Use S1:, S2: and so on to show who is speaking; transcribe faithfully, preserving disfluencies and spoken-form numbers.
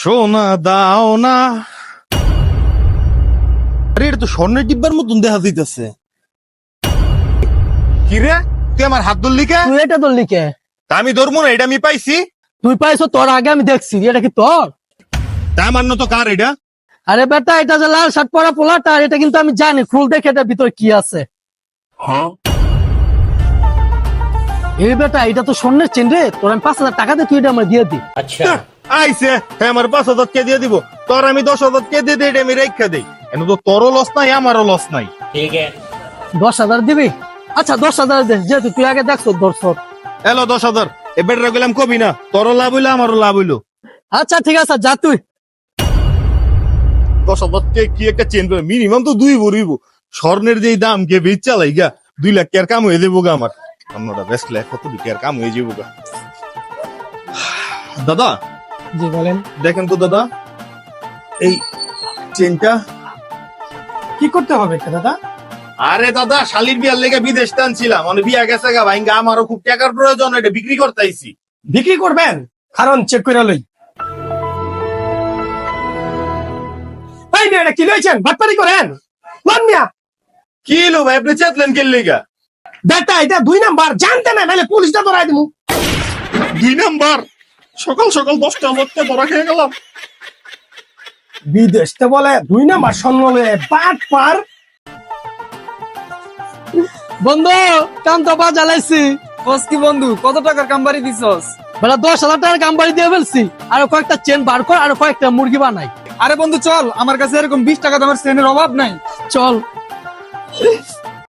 S1: সোনা দাও না। আরে এটা তো স্বর্ণের ডিব্বার মতন দেখা যাইতেছে। কি রে, তুই আমার হাত ধরলি কে?
S2: তুই এটা তোর লিখে
S1: তা আমি ধরবো না, এটা আমি পাইছি।
S2: তুই পাইছো, তোর আগে আমি দেখছি, এটা কি তোর?
S1: তা আমার তো কার এটা?
S2: আরে বেটা, এটা যে লাল শার্ট পরা পোলাটা, এটা কিন্তু আমি জানি। খুল দেখে এটার ভিতরে কি আছে। এই বেটা, এটা তো স্বর্ণের চেন রে। তোর আমি পাঁচ হাজার টাকা দিয়ে তুই এটা আমার দিয়ে দি।
S1: হ্যাঁ, আইছে হ্যাঁ, আমার পাঁচ হাজার কে দিয়ে দিব। তোর আমি দশ হাজার কে দিয়ে দিই, এটা আমি রেখা দেই। এনে তো তোরও লস নাই, আমারও লস নাই।
S2: দশ হাজার দিবি? আচ্ছা দশ হাজার দে, যেহেতু তুই আগে দেখছো দর্শক।
S1: এলো দশ হাজার। এ বেটা গেলাম কবি না, তোরও লাভ হইলো আমারও লাভ হইলো।
S2: আচ্ছা ঠিক আছে, যা তুই।
S1: দশ হাজার কে কি একটা চেন করে মিনিমাম তো দুই ভরিব। স্বর্ণের যে দাম কে বেচ চালাই গা, দুই লাখ টাকার কাম হয়ে যাবো গা আমার। অন্যটা বেচলে কত টাকার কাম হয়ে যাবো গা। দাদা
S2: জি বলেন।
S1: দেখেন তো দাদা, এই চেনটা
S2: কি করতে হবে দাদা?
S1: আরে দাদা, শালির বিয়ার লেগে বিদেশ টানছিলাম, মানে বিয়া গেছে গা ভাইঙ্গা, আমারও খুব টাকার প্রয়োজন, এটা বিক্রি করতে আইছি।
S2: বিক্রি করবেন? কারণ চেক করে লই। এই মেয়েটা কি লইছেন? বাটপারি করেন লন মিয়া।
S1: কি লো ভাই, আপনি চেতলেন কে লেগা?
S2: বেটা এটা দুই নাম্বার, জানতে না নাহলে পুলিশটা ধরাই দিমু।
S1: দুই নাম্বার? সকাল সকাল দশটা মধ্যে ধরা খেয়ে গেলাম।
S2: বিদেশতে বলে দুই নাম্বার স্বর্ণ লয়ে বাট পার। বন্ধু কাম তো বা জ্বালাইছি।
S3: বস কি বন্ধু, কত টাকার কামবাড়ি দিছস?
S2: বেলা দশ হাজার টাকার কাম বাড়ি দিয়ে ফেলছি। আর কয়েকটা চেন বার কর, আর কয়েকটা মুরগি বানাই।
S3: আরে বন্ধু চল, আমার কাছে এরকম বিশ টাকা দামের চেনের অভাব নাই।
S2: চল।